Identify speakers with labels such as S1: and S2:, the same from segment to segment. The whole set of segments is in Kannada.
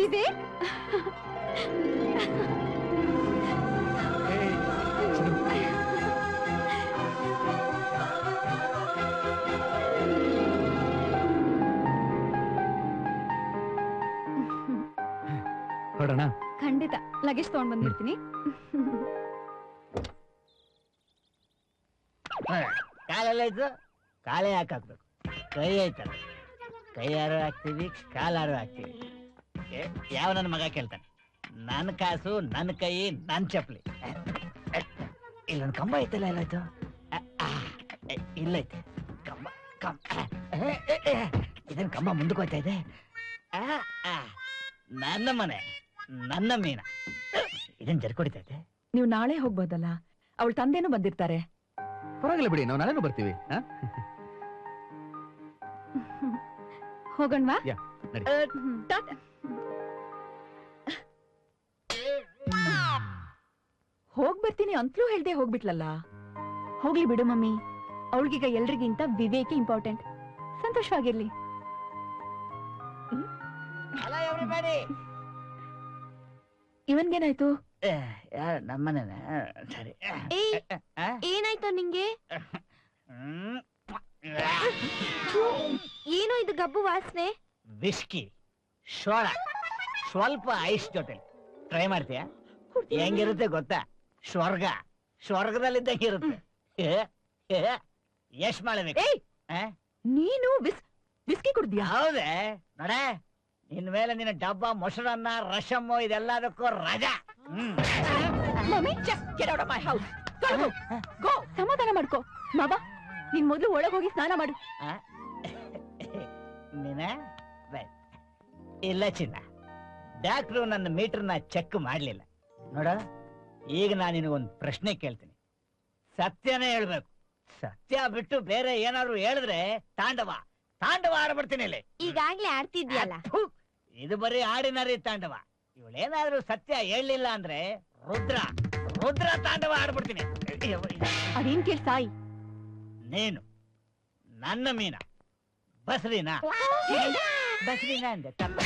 S1: ವಿವೇಕ್
S2: ಹೊರಡೋಣ?
S1: ಖಂಡಿತ ಲಗೇಜ್ ತಗೊಂಡ್ ಬಂದ್ಬಿಡ್ತೀನಿ.
S3: ಕಾಲೆಲ್ಲ ಇದ್ದು ಕಾಲೇ ಹಾಕಾಕ್ಬೇಕು. ಕೈ ಆಯ್ತಲ್ಲ, ಕೈಯಾರು ಹಾಕ್ತೀವಿ, ಕಾಲಾರು ಹಾಕ್ತೀವಿ. ಯಾವ ನನ್ನ ಮಗ ಕೇಳ್ತಾನೆ, ನನ್ನ ಕಾಸು, ನನ್ನ ಕೈ, ನನ್ನ ಚಪ್ಪಲಿ. ಇಲ್ಲೊಂದು ಕಂಬ ಐತಲ್ಲ, ಎಲ್ಲಾಯ್ತು? ಇಲ್ಲೈತೆ ಕಂಬ. ಇದನ್ ಕಂಬ ಮುಂದಕ್ಕೆ ಹೋಗ್ತಾ ಇದೆ. ನನ್ನ ಮನೆ, ನನ್ನ ಮೀನ. ಇದನ್ ಜರ್ಕೊಡಿತೈತೆ.
S4: ನೀವು ನಾಳೆ ಹೋಗ್ಬೋದಲ್ಲ, ಅವಳ ತಂದೆನೂ ಬಂದಿರ್ತಾರೆ.
S2: ಪರವಾಗಿಲ್ಲ ಬಿಡಿ, ನಾವು ನಾಳೆನೂ ಬರ್ತೀವಿ.
S1: ಹೋಗೋಣವಾ?
S4: ಹೋಗ್ಬರ್ತೀನಿ ಅಂತಲೂ ಹೇಳ್ದೆ ಹೋಗ್ಬಿಟ್ಲಲ್ಲ.
S1: ಹೋಗ್ಲಿ ಬಿಡು ಮಮ್ಮಿ, ಅವಳಿಗೀಗ ಎಲ್ರಿಗಿಂತ ವಿವೇಕ್ ಇಂಪಾರ್ಟೆಂಟ್. ಸಂತೋಷವಾಗಿರ್ಲಿ.
S4: ಇವನ್ಗೇನಾಯ್ತು?
S3: ನಮ್ಮನೇನ? ಸರಿ.
S1: ಏನಾಯ್ತು ನಿಂಗೆ? ಏನೋ ಇದು ಗಬ್ಬು ವಾಸನೆ?
S3: ವಿಸ್ಕಿ, ಸೋಡಾ, ಸ್ವಲ್ಪ ಐಸ್ ಜೊತೆ ಟ್ರೈ ಮಾಡ್ತೀಯಾ? ಹೆಂಗಿರುತ್ತೆ ಗೊತ್ತಾ? ಸ್ವರ್ಗ, ಸ್ವರ್ಗದಲ್ಲಿದ್ದಂಗೆ ಇರುತ್ತೆ. ಎಷ್ಟ್ ಮಾಡಬೇಕು?
S4: ನೀನು ವಿಸ್ಕಿ ಕುಡ್ದ್ಯಾ?
S3: ಹೌದೇ ನೋಡೆ, ನಿನ್ ಮೇಲೆ ನಿನ್ನ ಡಬ್ಬ, ಮೊಸರನ್ನ, ರಸಮ್ಮು ಇದೆಲ್ಲದಕ್ಕೂ ರಜಾ.
S4: ಸಮಾಧಾನ ಮಾಡ್ಕೋ ಬಾಬಾ. ನೀನ್ ಮೊದ್ಲು ಒಳಗ್ ಹೋಗಿ ಸ್ನಾನ ಮಾಡು.
S3: ನೀನ ಇಲ್ಲ ಚಿನ್ನ, ಡಾಕ್ಟ್ರು ನನ್ನ ಮೀಟರ್ನ ಚೆಕ್ ಮಾಡ್ಲಿಲ್ಲ ನೋಡ. ಈಗ ನಾನು ನಿನಗೊಂದು ಪ್ರಶ್ನೆ ಕೇಳ್ತೀನಿ, ಸತ್ಯನೇ ಹೇಳ್ಬೇಕು. ಸತ್ಯ ಬಿಟ್ಟು ಬೇರೆ ಏನಾದ್ರು ಹೇಳಿದ್ರೆ ತಾಂಡವ ತಾಂಡವ ಆಡ್ಬಿಡ್ತೀನಿ ಇಲ್ಲಿ.
S1: ಈಗಾಗ್ಲೇ ಆಡ್ತಿದ್ಯಲ್ಲ.
S3: ಇದು ಬರೀ ಆರ್ಡಿನರಿ ತಾಂಡವ. ಇವಳೇನಾದ್ರೂ ಸತ್ಯ ಹೇಳಲಿಲ್ಲ ಅಂದ್ರೆ ರುದ್ರ ರುದ್ರ ತಾಂಡವ ಆಡ್ಬಿಡ್ತೀನಿ.
S4: ಅದೇನ್ ಕೇಳ್ ಸಾಯಿ.
S3: ನೀನು ನನ್ನ ಮೀನ ಬಸ್ರಿನಾ? ಬಸ್ರಿನಾ ಅಂದೆ ತಪ್ಪ.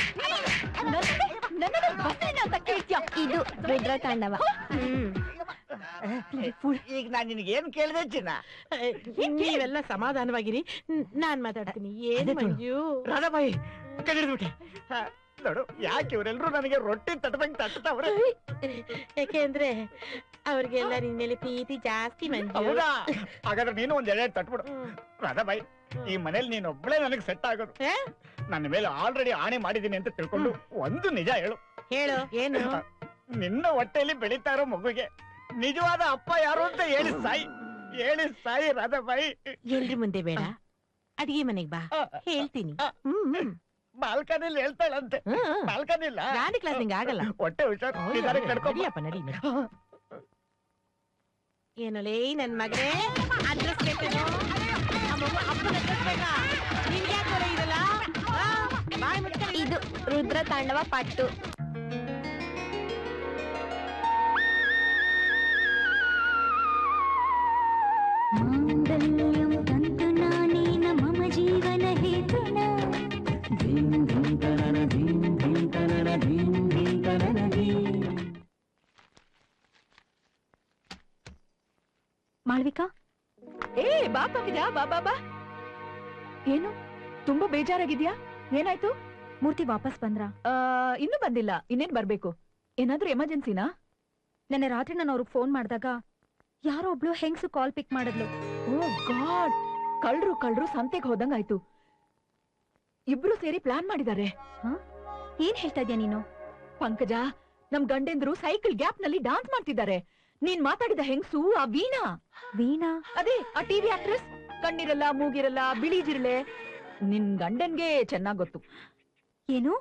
S1: ಇದು ರುದ್ರ ತಾಂಡವ.
S3: ಈಗ ನಾನ್ ನಿನಗೆ ಏನ್ ಕೇಳಿದೆ ಚಿನ್ನ?
S5: ನೀವೆಲ್ಲ ಸಮಾಧಾನವಾಗಿರಿ, ನಾನ್ ಮಾತಾಡ್ತೀನಿ. ಏನ್ ಮಂಜು?
S3: ರಾಧಾಬಾಯಿ ಕಡಿದ್ಬಿಟ್ಟೆ ನೋಡು. ಯಾಕೆ ಇವರೆಲ್ಲರೂ ನನಗೆ ರೊಟ್ಟಿ ತಟ್ಟದಂಗ್ ತಟ್ಟವ್ರೆ?
S5: ಯಾಕೆಂದ್ರೆ ಅವ್ರಿಗೆಲ್ಲ ನಿನ್ ಮೇಲೆ ಪ್ರೀತಿ ಜಾಸ್ತಿ ಮಂಜು.
S3: ಹೌದಾ? ಹಾಗಾದ್ರೆ ನೀನು ಒಂದ್ ಎಡೆ ತಟ್ಬಿಡು. ರಾಧಾಬಾಯಿ, ಈ ಮನೇಲಿ ನೀನ್ ಒಬ್ಳೆ ನನಗೆ ಸೆಟ್ ಆಗೋದು. ನನ್ನ ಮೇಲೆ ಆಲ್ರೆಡಿ ಆಣೆ ಮಾಡಿದೀನಿ ಅಂತ ತಿಳ್ಕೊಂಡು ಒಂದು ನಿಜ ಹೇಳು.
S5: ಹೇಳು. ಏನು?
S3: ನಿನ್ನ ಹೊಟ್ಟೆಯಲ್ಲಿ ಬೆಳೀತಾ ಇರೋ ಮಗುಗೆ ನಿಜವಾದ ಅಪ್ಪ ಯಾರು ಅಂತ ಹೇಳಿ ಸಾಯಿ, ಹೇಳಿ ಸಾಯಿ ರಾಧಾಬಾಯಿ.
S5: ಎಲ್ರಿ ಮುಂದೆ ಬೇಡ, ಅಡಿಗೆ ಮನೆಗ್ ಬಾ, ಹೇಳ್ತೀನಿ.
S3: ಬಾಲ್ಕನಿಲಿ ಹೇಳ್ತಾಳಂತೆ. ಬಾಲ್ಕನಿ ಇಲ್ಲ,
S5: ಗಾಡಿ ಕ್ಲಾಸ್ ನಿಂಗೆ ಆಗಲ್ಲ.
S3: ಹೊಟ್ಟೆ ಹುಷಾರ್,
S5: ನಡಿಯಪ್ಪ ನಡಿ. ಏನೋಲೇ ನನ್ ಮಗನೇ, ಅಡ್ರೆಸ್ ಬೇಕೇನೋ? ಅಪ್ಪನ ಅಡ್ರೆಸ್ ಬೇಕಾ? ನಿನ್ಗೆ ಯಾಕೆ ಹೊರ ಇರಲ್ಲ?
S1: ಇದು ರುದ್ರ ತಾಂಡವ ಪಟ್ಟು. ಮಾಂಗಲ್ಯಂ ತಂತು ನಾನೇನ ಮಮ ಜೀವನ ಹೇತುನ.
S4: ಮಾಳ್ವಿಕಾ, ಬಾ ಪಂಕಜ, ಬಾ ಬಾ ಬಾ. ಏನು ತುಂಬಾ ಬೇಜಾರಾಗಿದ್ಯಾ? ಏನಾಯ್ತು?
S1: ಮೂರ್ತಿ ವಾಪಸ್ ಬಂದ್ರ?
S4: ಇನ್ನೂ ಬಂದಿಲ್ಲ. ಇನ್ನೇನ್ ಬರ್ಬೇಕು? ಏನಾದ್ರೂ ಎಮರ್ಜೆನ್ಸಿನಾ?
S1: ನೆನ್ನೆ ರಾತ್ರಿ ನಾನು ಅವ್ರಿಗೆ ಫೋನ್ ಮಾಡಿದಾಗ ಯಾರೋ ಒಬ್ಳು ಹೆಂಗ್ಸು ಕಾಲ್ ಪಿಕ್ ಮಾಡಿದ್ಲು.
S4: ಓ ಗಾಡ್, ಕಳ್ರು ಸಂತೆಗೆ ಹೋದಂಗಾಯ್ತು. ಇಬ್ರು ಸೇರಿ ಪ್ಲಾನ್ ಮಾಡಿದ್ದಾರೆ.
S1: ಏನ್ ಹೇಳ್ತಾ ಇದ್ಯಾ ನೀನು?
S4: ಪಂಕಜ, ನಮ್ ಗಂಡೆಂದ್ರು ಸೈಕಲ್ ಗ್ಯಾಪ್ ನಲ್ಲಿ ಡಾನ್ಸ್ ಮಾಡ್ತಿದ್ದಾರೆ. ನೀನ್ ಮಾತಾಡಿದ ಹೆಂಗ್ಸು ಆ ವೀಣಾ.
S1: ವೀಣಾ?
S4: ಅದೇ ಆ ಟಿವಿ ಆಕ್ಟ್ರೆಸ್. ಕಣ್ಣಿರಲ್ಲ, ಮೂಗಿರಲ್ಲ, ಬಿಳಿ ಜಿರಳೆ. ನಿನ್ ಗಂಡನ್ಗೆ ಚೆನ್ನಾಗ್ ಗೊತ್ತು.
S1: ಏನು?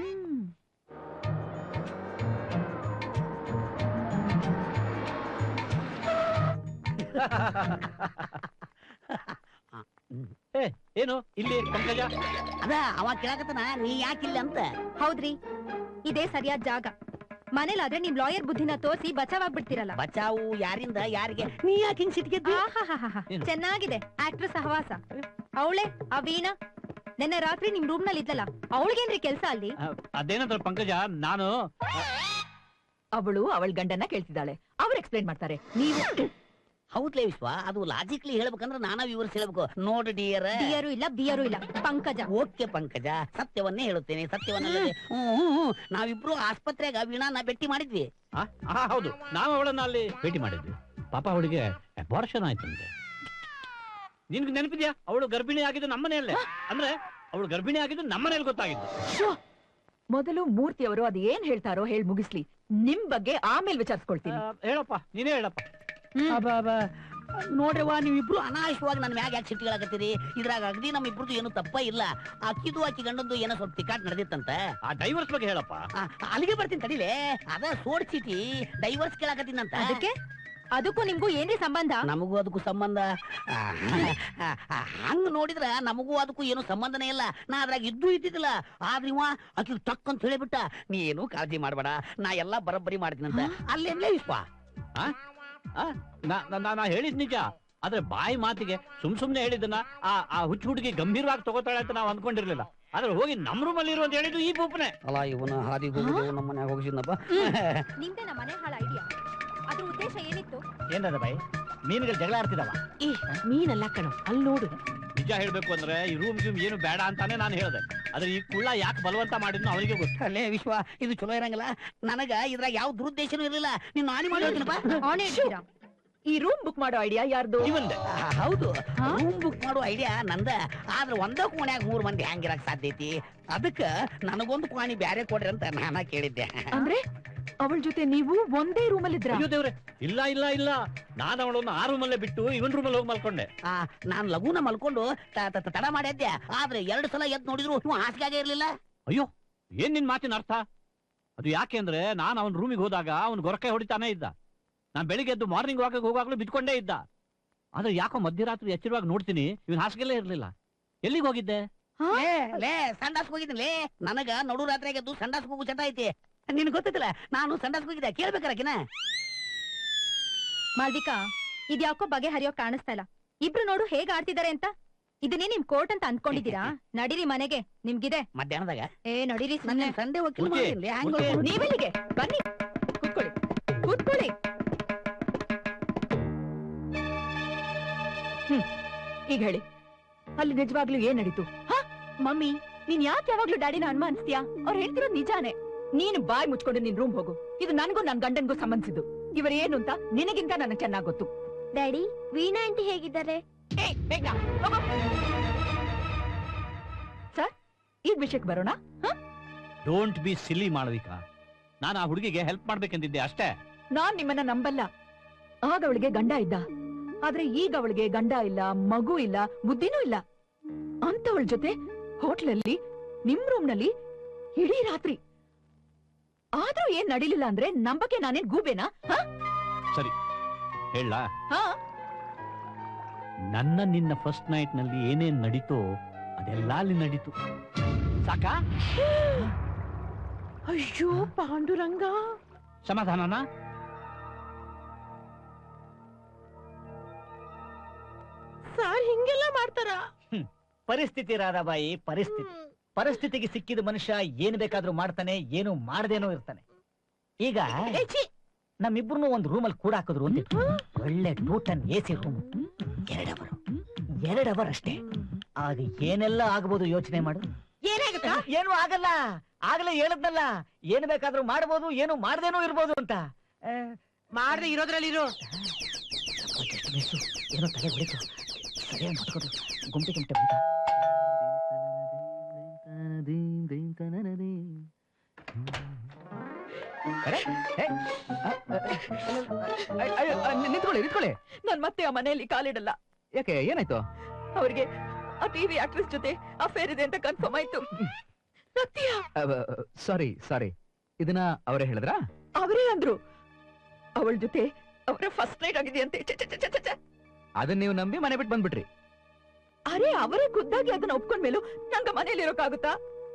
S2: ಏನು ಇಲ್ಲಿ ಪಂಕಜ?
S3: ಅದ ಅವ ಕೇಳಕತ್ತನ, ನೀ ಯಾಕಿಲ್ಲ ಅಂತ.
S1: ಹೌದ್ರಿ, ಇದೇ ಸರಿಯಾದ ಜಾಗ. ಮನೇಲಾದ್ರೆ ನಿಮ್ ಲಾಯರ್ ಬುದ್ಧಿನ ತೋರಿಸಿ ಬಚಾವಾಗ್ಬಿಡ್ತೀರಲ್ಲ.
S3: ಬಚಾವು ಯಾರಿಂದ ಯಾರಿಗೆ? ನೀ ಯಾಕೆ ಹಿಂಗ್ ಸಿಟ್ಗೆದ್ದಿ?
S1: ಚೆನ್ನಾಗಿದೆ ಆಕ್ಟ್ರೆಸ್ ಸಹವಾಸ. ಅವಳೆ ಆ ವೀಣಾ ನಿನ್ನೆ ರಾತ್ರಿ ನಿಮ್ ರೂಮ್ ನಲ್ಲಿ ಇದ್ಲಲ್ಲ ಅವಳಿಗೇನ್ರಿ ಕೆಲ್ಸ ಅಲ್ಲಿ?
S2: ಅದೇನಂದ್ರೆ ಪಂಕಜ, ನಾನು
S4: ಅವಳು ಅವಳ ಗಂಡನ ಕೇಳ್ತಿದ್ದಾಳೆ, ಅವ್ರು ಎಕ್ಸ್ಪ್ಲೈನ್ ಮಾಡ್ತಾರೆ. ನೀವು
S6: ಹೌದ್ಲೇ ವಿಶ್ವ, ಅದು ಲಾಜಿಕ್ಲಿ ಹೇಳ್ಬೇಕಂದ್ರೆ ನಾನಾ ವಿವರಿಸಿ ಹೇಳ್ಬೇಕು. ನೋಡು ಡಿಯರ್,
S1: ಬಿಯರು ಇಲ್ಲ ಬಿಯರು ಇಲ್ಲ ಪಂಕಜ.
S6: ಓಕೆ ಪಂಕಜ, ಸತ್ಯವನ್ನೇ ಹೇಳುತ್ತೇನೆ, ಸತ್ಯವನ್ನ. ನಾವಿಬ್ರು ಆಸ್ಪತ್ರೆಗ ವೀಣಾನ ಭೇಟಿ ಮಾಡಿದ್ವಿ.
S2: ಹೌದು, ನಾವು ಅವಳನ್ನ ಅಲ್ಲಿ ಭೇಟಿ ಮಾಡಿದ್ವಿ. ಪಾಪ ಅವಳಿಗೆ ಅಬಾರ್ಷನ್ ಆಯ್ತಂತೆ. ನಿನ್ಗೆ ನೆನಪಿದ್ಯಾ? ಅವಳು ಗರ್ಭಿಣಿ ಆಗಿದ್ದು ನಮ್ಮನೆಯಲ್ಲೇ. ಅಂದ್ರೆ ಅವಳು ಗರ್ಭಿಣಿ ಆಗಿದ್ದು ನಮ್ಮನೇಲಿ ಗೊತ್ತಾಗಿದ್ದು.
S4: ಮೊದಲು ಮೂರ್ತಿ ಅವರು ಅದು ಏನ್ ಹೇಳ್ತಾರೋ ಹೇಳಿ ಮುಗಿಸ್ಲಿ, ನಿಮ್ ಬಗ್ಗೆ ಆಮೇಲೆ ವಿಚಾರಿಸ್ಕೊಳ್ತೀನಿ.
S2: ಹೇಳಪ್ಪ, ನೀನೇ ಹೇಳಪ್ಪ.
S6: ನೋಡ್ರವ್ವ, ನೀವಿಬ್ರು ಅನಾವಶ್ಯವಾಗಿ ನನ್ನ ಮ್ಯಾಗ ಯಾಕೆ ಸಿಟ್ಟಿಗಳಾಕತ್ತೀರಿ? ಇದ್ರಾಗ ಅಗದಿ ನಮ್ ಇಬ್ರದ್ದು ಏನು ತಪ್ಪ ಇಲ್ಲ. ಅಕ್ಕಿದು ಆಕಿ ಗಂಡಂದು ಏನೋ ಸ್ವಲ್ಪ ತಿಕ್ಕಾಟ್ ನಡೆದಿತ್ತಂತ.
S2: ಆ ಡೈವರ್ಸ್ ಬಗ್ಗೆ ಹೇಳಪ್ಪ.
S6: ಅಲ್ಲಿಗೆ ಬರ್ತೀನಿ ತಡಿಲೆ. ಅದ ಸೋಡ್ ಚೀಟಿ ಡೈವರ್ಸ್ ಕೇಳಾಕತ್ತೀನಂತ.
S1: ಅದಕ್ಕೆ ಅದಕ್ಕೂ ನಿಮ್ಗೂ ಏನ್ರಿ ಸಂಬಂಧ?
S6: ನಮಗೂ ಅದಕ್ಕೂ ಸಂಬಂಧ ಹಂಗ ನೋಡಿದ್ರ ನಮಗೂ ಅದಕ್ಕೂ ಏನು ಸಂಬಂಧನೇ ಇಲ್ಲ. ನಾ ಅದ್ರಾಗ ಇದ್ದಿದ್ದಿಲ್ಲ. ಆದ್ರೆ ಇವ ಆಕಿ ಟಕ್ ಅಂತ ಹೇಳಿಬಿಟ್ಟ, ನೀ ಏನು ಕಾಳಜಿ ಮಾಡ್ಬೇಡ, ನಾ ಎಲ್ಲಾ ಬರಬ್ಬರಿ ಮಾಡ್ತೀನಂತ. ಅಲ್ಲೇನ್ಲೇ ವಿಶ್ವ,
S2: ನಾ ಹೇಳಿದ್ ನಿಜ. ಆದ್ರೆ ಬಾಯಿ ಮಾತಿಗೆ ಸುಮ್ನೆ ಹೇಳಿದ್ದನ್ನ ಆ ಹುಚ್ಚು ಹುಡುಗಿ ಗಂಭೀರವಾಗಿ ತಗೋತಾಳೆ ಅಂತ ನಾವು ಅನ್ಕೊಂಡಿರ್ಲಿಲ್ಲ. ಆದ್ರೆ ಹೋಗಿ ನಮ್ ರೂಮ್ ಅಲ್ಲಿ ಇರುವಂತ ಹೇಳಿದ್ದು ಈ ಬೂಪ್ನೆ
S6: ಅಲ್ಲ. ಇವನ ಹಾದಿಗೆ ಹೋಗಿ ನಮ್ಮ ಮನ್ಯಾಗ ಹೋಗಿಸಿದ್ನಪ್ಪ.
S1: ನಿಮ್ದೇ ನಮ್ಮ ಮನೆ ಹಾಳ ಐಡಿಯಾ. ಅದ್ರ ಉದ್ದೇಶ ಏನಿತ್ತು?
S3: ಏನದ ಬಾಯಿ, ಮೀನುಗಳು ಜಗಳ ಆಡ್ತಿದವ.
S5: ಈ ಮೀನಲ್ಲ ಕಣೋ, ಅಲ್ಲಿ ನೋಡು.
S2: ನಿಜ ಹೇಳ್ಬೇಕು ಅಂದ್ರೆ ಈ ರೂಮ್ ಏನು ಬೇಡ ಅಂತಾನೆ ನಾನು ಹೇಳ್ದೆ. ಆದ್ರೆ ಈ ಕುಳ್ಳ ಯಾಕೆ ಬಲವಂತ ಮಾಡಿದ್ನು ಅವನಿಗೆ ಗೊತ್ತು.
S6: ಅಲ್ಲೇ ವಿಶ್ವ, ಇದು ಚಲೋ ಇರಂಗಿಲ್ಲ. ನನಗ ಇದ್ರಾಗ ಯಾವ ದುರುದ್ದೇಶನೂ ಇರಲಿಲ್ಲ. ನೀನು ಹಾನಿ ಮಾಡಿ ಹೇಳ್ತೀನಪ್ಪ.
S4: ಈ ರೂಮ್ ಬುಕ್ ಮಾಡೋ ಐಡಿಯಾ ಯಾರ್ದು?
S2: ಇವಂದೆ.
S6: ಹೌದು, ರೂಮ್ ಬುಕ್ ಮಾಡೋ ಐಡಿಯಾ ನಂದ. ಆದ್ರೆ ಒಂದ ಕೋಣ್ಯಾಗ 3 ಮಂದಿ ಹ್ಯಾಂಗಿರಕ್ ಸಾಧ್ಯ ಐತಿ? ಅದಕ್ಕ ನನಗೊಂದು ಕೋಣಿ ಬ್ಯಾರೆ ಕೊಡ್ರಿ ಅಂತ ನಾನ ಕೇಳಿದ್ದೆ.
S4: ಅಂದ್ರೆ ಅವಳ ಜೊತೆ ನೀವು ಒಂದೇ ರೂಮ್ ಅಲ್ಲಿ ಇದ್ರ?
S2: ಅಯ್ಯೋ ದೇವ್ರೆ, ಇಲ್ಲ ಇಲ್ಲ ಇಲ್ಲ, ನಾನು ಅವಳನ್ನು ಆ ರೂಮಲ್ಲೇ ಬಿಟ್ಟು ಇವನ್ ರೂಮಲ್ಲಿ ಹೋಗಿ ಮಲ್ಕೊಂಡೆ.
S6: ನಾನ್ ಲಘುನ ಮಲ್ಕೊಂಡು ತಡ ಮಾಡಿದ್ದೆ. ಆದ್ರೆ 2 ಸಲ ಎದ್ದು ನೋಡಿದ್ರು ನೀವು ಹಾಸಿಗೆ ಇರ್ಲಿಲ್ಲ.
S2: ಅಯ್ಯೋ, ಏನ್ ನಿನ್ ಮಾತಿನ ಅರ್ಥ? ಅದು ಯಾಕೆ ಅಂದ್ರೆ ನಾನು ಅವನ ರೂಮಿಗೆ ಹೋದಾಗ ಅವ್ನು ಗೊರಕೆ ಹೊಡಿತಾನೆ ಇದ್ದ. ನಾನ್ ಬೆಳಿಗ್ಗೆ ಎದ್ದು ಮಾರ್ನಿಂಗ್ ವಾಕಿಗೆ ಹೋಗಾಗ್ಲೂ ಬಿದ್ಕೊಂಡೇ ಇದ್ದ. ಆದ್ರೆ ಯಾಕೋ ಮಧ್ಯರಾತ್ರಿ ಎಚ್ಚರವಾಗಿ ನೋಡ್ತೀನಿ ಇವನ್ ಹಾಸಿಗೆಲ್ಲೇ ಇರ್ಲಿಲ್ಲ. ಎಲ್ಲಿಗೆ ಹೋಗಿದ್ದೆ?
S6: ಲೇ ಸಂಡಾಸ್ ಹೋಗಿದ್ದಿಲ್ಲ. ನನಗ ನಡು ರಾತ್ರಿಗೆ ಎದ್ದು ಸಂಡಾಸ್ ಹೋಗು ಚಟ ಐತಿ. ನಿನ್ ಗೊತ್ತಿಲ್ಲ, ನಾನು ಸಂಡಾಸ್ ಹೋಗಿದ್ದೆ. ಕೇಳ್ಬೇಕಾರಕಿನ
S1: ಮಾಲ್ವಿಕಾ, ಇದ್ಯಾಕೋ ಬಗೆ ಹರಿಯೋ ಕಾಣಿಸ್ತಾ ಇಲ್ಲ. ಇಬ್ರು ನೋಡು ಹೇಗ್ ಆಡ್ತಿದಾರೆ ಅಂತ. ಇದನ್ನೇ ನಿಮ್ ಕೋರ್ಟ್ ಅಂತ ಅನ್ಕೊಂಡಿದೀರಾ? ನಡೀರಿ ಮನೆಗೆ, ನಿಮ್ಗಿದೆ
S6: ಮಧ್ಯಾಹ್ನದಾಗ.
S1: ನಡೀರಿ
S6: ನನ್ನ ಸಂಡೆ
S4: ನೀವೆಲ್ಲಿಗೆ? ಬನ್ನಿ, ಕೂತ್ಕೊಳ್ಳಿ ಕೂತ್ಕೊಳ್ಳಿ. ಈಗ ಹೇಳಿ, ಅಲ್ಲಿ ನಿಜವಾಗ್ಲೂ ಏನ್ ನಡೀತು?
S1: ಮಮ್ಮಿ, ನೀನ್ ಯಾಕೆ ಯಾವಾಗ್ಲೂ ಡ್ಯಾಡಿನ ಅನುಮಾನಿಸ್ತೀಯಾ? ಅವ್ರು ಹೇಳ್ತಿರೋದು ನಿಜಾನೇ.
S4: ನೀನು ಬಾಯ್ ಮುಚ್ಕೊಂಡು ನಿನ್ ರೂಮ್ ಹೋಗು. ಇದು ನನ್ಗೂ ನನ್ ಗಂಡನ್ಗೂ ಸಂಬಂಧಿಸಿದ್ದು. ಇವರು ಏನು ಅಂತ ನಿನಗಿಂತ ನನಗೆ ಚೆನ್ನಾಗ್ ಗೊತ್ತು.
S1: ಡ್ಯಾಡಿ, ವೀಣಾ ಆಂಟಿ ಹೇಗಿದ್ದಾರೆ?
S4: ಸರ್, ಈ ವಿಷಯಕ್ಕೆ ಬರೋಣ.
S2: Don't be silly Malavika. ನಾನು ಆ ಹುಡುಗಿಗೆ ಹೆಲ್ಪ್ ಮಾಡ್ಬೇಕೆಂದಿದ್ದೆ ಅಷ್ಟೇ.
S4: ನಾನ್ ನಿಮ್ಮನ್ನ ನಂಬಲ್ಲ. ಆಗ ಅವಳಿಗೆ ಗಂಡ ಇದ್ದ, ಆದ್ರೆ ಈಗ ಅವಳಿಗೆ ಗಂಡ ಇಲ್ಲ, ಮಗು ಇಲ್ಲ, ಬುದ್ಧಿನೂ ಇಲ್ಲ. ಅಂತವಳ ಜೊತೆ ಹೋಟ್ಲಲ್ಲಿ, ನಿಮ್ ರೂಮ್ ನಲ್ಲಿ ಇಡೀ ರಾತ್ರಿ. ಆದ್ರೂ ಏನ್ ನಡೀಲಿಲ್ಲ ಅಂದ್ರೆ ನಂಬಕ್ಕೆ ನಾನೇನ್ ಗೂಬೇನಾ?
S2: ಸರಿ ಹೇಳ,
S4: ಹಾ,
S2: ನಿನ್ನ ಫಸ್ಟ್ ನೈಟ್ ನಲ್ಲಿ ಏನೇನ್ ನಡೀತೋ ಅದೆಲ್ಲ ಅಲ್ಲಿ ನಡೀತು. ಸಾಕಾ?
S5: ಅಯ್ಯೋ ಪಾಂಡುರಂಗ,
S2: ಸಮಾಧಾನನಾ?
S5: ಸಾರ್ ಹಿಂಗೆಲ್ಲ ಮಾಡ್ತಾರ?
S3: ಪರಿಸ್ಥಿತಿ ರಾಧಾಬಾಯಿ, ಪರಿಸ್ಥಿತಿಗೆ ಸಿಕ್ಕಿದ ಮನುಷ್ಯ ಏನ್ ಬೇಕಾದ್ರೂ ಮಾಡ್ತಾನೆ, ಏನು ಮಾಡದೇನೋ ಇರ್ತಾನೆ. ಈಗ ನಮ್ಮಿಬ್ರು ಒಂದ್ ರೂಮಲ್ಲಿ ಕೂಡ ಹಾಕಿದ್ರು ಅಂತ, ಒಳ್ಳೆ 2 ಟನ್ AC ರೂಮ್, 2 ಅವರ್ ಅಷ್ಟೇ. ಆಗ ಏನೆಲ್ಲ ಆಗ್ಬೋದು ಯೋಚನೆ ಮಾಡು.
S5: ಏನಾಗುತ್ತ?
S3: ಏನು ಆಗಲ್ಲ. ಆಗ್ಲೇ ಹೇಳದ್ನಲ್ಲ, ಏನ್ ಬೇಕಾದ್ರೂ ಮಾಡ್ಬೋದು, ಏನು ಮಾಡ್ದೇನೋ ಇರ್ಬೋದು ಅಂತ.
S5: ಮಾಡ್ದೆ ಇರೋದ್ರಲ್ಲಿ ಇರೋ.
S3: ಏನೋ ತಲೆ ಹೊಡಿತು, ಸರಿಯಾಗಿ ಮುಟ್ಕೋದು, ಗುಂಪೆ ಗುಂಟೆ
S2: ನಿಂತ್ಕೊಳ್ಳಿ ನಿಂತ್ಕೊಳ್ಳಿ.
S4: ನಾನ್ ಮತ್ತೆ ಆ ಮನೆಯಲ್ಲಿ ಕಾಲಿಡಲ್ಲ.
S2: ಯಾಕೆ, ಏನಾಯ್ತು?
S4: ಅವ್ರಿಗೆ ಆ ಟಿವಿ ಆಕ್ಟ್ರೆಸ್ ಜೊತೆ ಅಫೇರ್ ಇದೆ ಅಂತ ಕನ್ಫರ್ಮ್ ಆಯ್ತು. ಸತ್ಯ.
S2: ಸಾರಿ ಸಾರಿ, ಇದನ್ನ ಅವರೇ ಹೇಳಿದ್ರಾ?
S4: ಅವರೇ ಅಂದ್ರು ಅವಳ ಜೊತೆ ಅವರ ಫಸ್ಟ್ ನೈಟ್ ಆಗಿದೆ ಅಂತೆ.
S2: ಅದನ್ನ ನೀವು ನಂಬಿ ಮನೆ ಬಿಟ್ಟು ಬಂದ್ಬಿಟ್ರಿ?
S4: ಅರೆ, ಅವರೇ ಖುದ್ದಾಗಿ ಅದನ್ನ ಒಪ್ಕೊಂಡ್ಮೇಲೂ ನಂಗ ಮನೇಲಿ ಇರೋಕ್ಕಾಗುತ್ತಾ?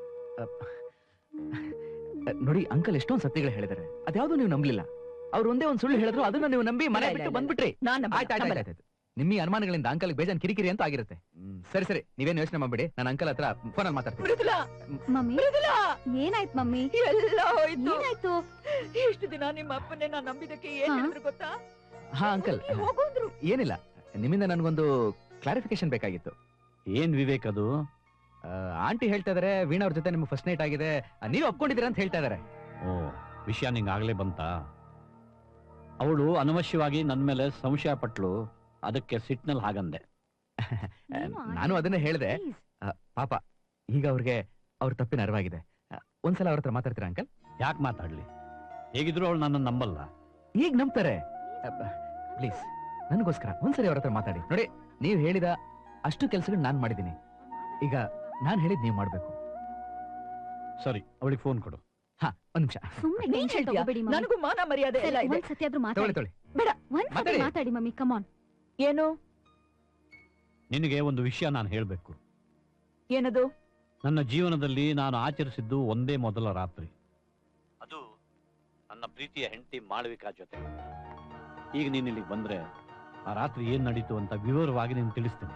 S2: ನೋಡಿ ಅಂಕಲ್, ಎಷ್ಟೊಂದು ಸತ್ಯಗಳು ಹೇಳಿದಾರೆ, ಅದ್ಯಾವ್ದು ನೀವು ನಂಬಲಿಲ್ಲ. ಅವ್ರು ಒಂದೇ ಒಂದ್ ಸುಳ್ಳು ಹೇಳಿದ್ರು, ಅದನ್ನ ನೀವು ನಂಬಿ ಮನೆ ಬಿಟ್ಟು ಬಂದ್ಬಿಟ್ರಿ.
S4: ನಾನ್
S2: ಆಯ್ತಾಯ್ತು,
S7: ನಿಮ್ಮ ಈ ಅನುಮಾನಗಳಿಂದ ಅಂಕಲ್ ಬೇಜಾನ್ ಕಿರಿಕಿರಿ ಅಂತ ಆಗಿರುತ್ತೆ. ಸರಿ ಸರಿ, ನೀವೇನು ಯೋಚನೆ ಮಾಡ್ಬೇಡಿ, ನಾನು ಅಂಕಲ್ ಹತ್ರ ಫೋನಲ್ಲಿ ಮಾತಾಡ್ತೀನಿ.
S4: ಮೃದುಲಾ
S1: ಮಮ್ಮಿ
S4: ಮೃದುಲಾ
S1: ಏನಾಯ್ತು ಮಮ್ಮಿ?
S4: ಎಲ್ಲ ಹೋಯ್ತು.
S1: ಏನಾಯ್ತು?
S4: ಇಷ್ಟು ದಿನ ನಿಮ್ಮ ಅಪ್ಪನ್ನೇ ನಾನು ನಂಬಿದಕ್ಕೆ ಏನ್ ಹೇಳಿದ್ರು ಗೊತ್ತಾ?
S7: ಹಾ ಅಂಕಲ್,
S4: ಹೋಗೋದ್ರು.
S7: ಏನಿಲ್ಲ, ನಿಮ್ಮಿಂದ ನನಗೊಂದು ಕ್ಲಾರಿಫಿಕೇಶನ್ ಬೇಕಾಗಿತ್ತು.
S2: ಏನ್ ವಿವೇಕ್ ಅದು?
S7: ಆಂಟಿ ಹೇಳ್ತಾ ಇದಾರೆ ವೀಣಾ ಅವ್ರ ಜೊತೆ ನಿಮ್ಗೆ ಫಸ್ಟ್ ನೈಟ್ ಆಗಿದೆ, ನೀವು ಒಪ್ಕೊಂಡಿದ್ದೀರಾ ಅಂತ ಹೇಳ್ತಾ ಇದಾರೆ.
S2: ಓ, ವಿಷಯ ನಿಂಗಾಗ್ಲೇ ಬಂತ? ಅವಳು ಅನವಶ್ಯವಾಗಿ ನನ್ ಮೇಲೆ ಸಂಶಯ ಪಟ್ಲು, ಅದಕ್ಕೆ ಸಿಟ್ನಲ್ಲಿ ಹಾಗಂದೆ.
S7: ನಾನು ಅದನ್ನೇ ಹೇಳಿದೆ. ಪಾಪ ಈಗ ಅವ್ರಿಗೆ ಅವ್ರ ತಪ್ಪಿನ ಅರಿವಾಗಿದೆ. ಒಂದ್ಸಲ ಅವ್ರ ಹತ್ರ ಮಾತಾಡ್ತೀರಾ ಅಂಕಲ್?
S2: ಯಾಕೆ ಮಾತಾಡ್ಲಿ? ಹೇಗಿದ್ರು ಅವಳು ನನ್ನ ನಂಬಲ್ಲ.
S7: ಈಗ ನಂಬ್ತಾರೆ. ಪ್ಲೀಸ್ ನನಗೋಸ್ಕರ ಒಂದ್ಸರಿ ಅವ್ರ ಹತ್ರ ಮಾತಾಡಿ ನೋಡಿ. ನೀವು ಹೇಳಿದ ಅಷ್ಟು ಕೆಲಸಗಳು ನಾನ್ ಮಾಡಿದ್ದೀನಿ, ಈಗ ನಾನ್ ಹೇಳಿದ್ ನೀವು ಮಾಡ್ಬೇಕು.
S2: ಸರಿ, ಅವಳಿಗೆ ಫೋನ್ ಕೊಡು.
S7: ಹಾ, ಒಂದ್ ನಿಮಿಷ.
S1: ಸುಮ್ನೆ
S4: ನೀನ್
S1: ಟೆನ್ಷನ್
S4: ಹೇಳ್ತೀಯಾ?
S1: ತಗೋಬೇಡಿ ಮಮ್ಮಿ.
S4: ನನಗೂ ಮಾನ ಮರ್ಯಾದೆ ಎಲ್ಲ ಇದೆ.
S1: ಒಂದ್ಸತಿ ಆದ್ರೂ
S7: ತೊಗೊಳ್ಳಿ
S1: ಮಾತಾಡಿ.
S7: ತೊಗೊಳ್ಳಿ.
S4: ಬೇಡ,
S1: ಒಂದ್ಸತಿ
S7: ಮಾತಾಡಿ.
S1: ಮಾತಾಡಿ ಮಮ್ಮಿ, ಕಮಾನ್.
S4: ಏನು
S2: ನಿನಗೆ ಒಂದು ವಿಷಯ ನಾನು ಹೇಳ್ಬೇಕು.
S4: ಏನದು?
S2: ನನ್ನ ಜೀವನದಲ್ಲಿ ನಾನು ಆಚರಿಸಿದ್ದು ಒಂದೇ ಮೊದಲ ರಾತ್ರಿ. ಅದು ನನ್ನ ಪ್ರೀತಿಯ ಹೆಂಡತಿ ಮಾಳವಿಕಾ ಜೊತೆ. ಈಗ ನೀನ್ ಇಲ್ಲಿಗೆ ಬಂದ್ರೆ ಆ ರಾತ್ರಿ ಏನ್ ನಡೀತು ಅಂತ ವಿವರವಾಗಿ ನೀನು ತಿಳಿಸ್ತೀನಿ.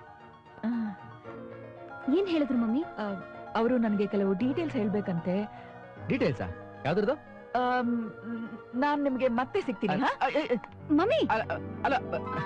S1: ಏನ್ ಹೇಳಿದ್ರು ಮಮ್ಮಿ?
S4: ಅವರು ನನಗೆ ಕೆಲವು ಡೀಟೇಲ್ಸ್ ಹೇಳ್ಬೇಕಂತೆ.
S7: ಡೀಟೇಲ್ಸಾ? ಯಾವ್ದ್ರದ್ದು?
S4: ನಾನ್ ನಿಮ್ಗೆ ಮತ್ತೆ ಸಿಗ್ತೀನಿ. ಹಾ?
S1: ಮಮ್ಮಿ
S7: ಅಲ್ಲ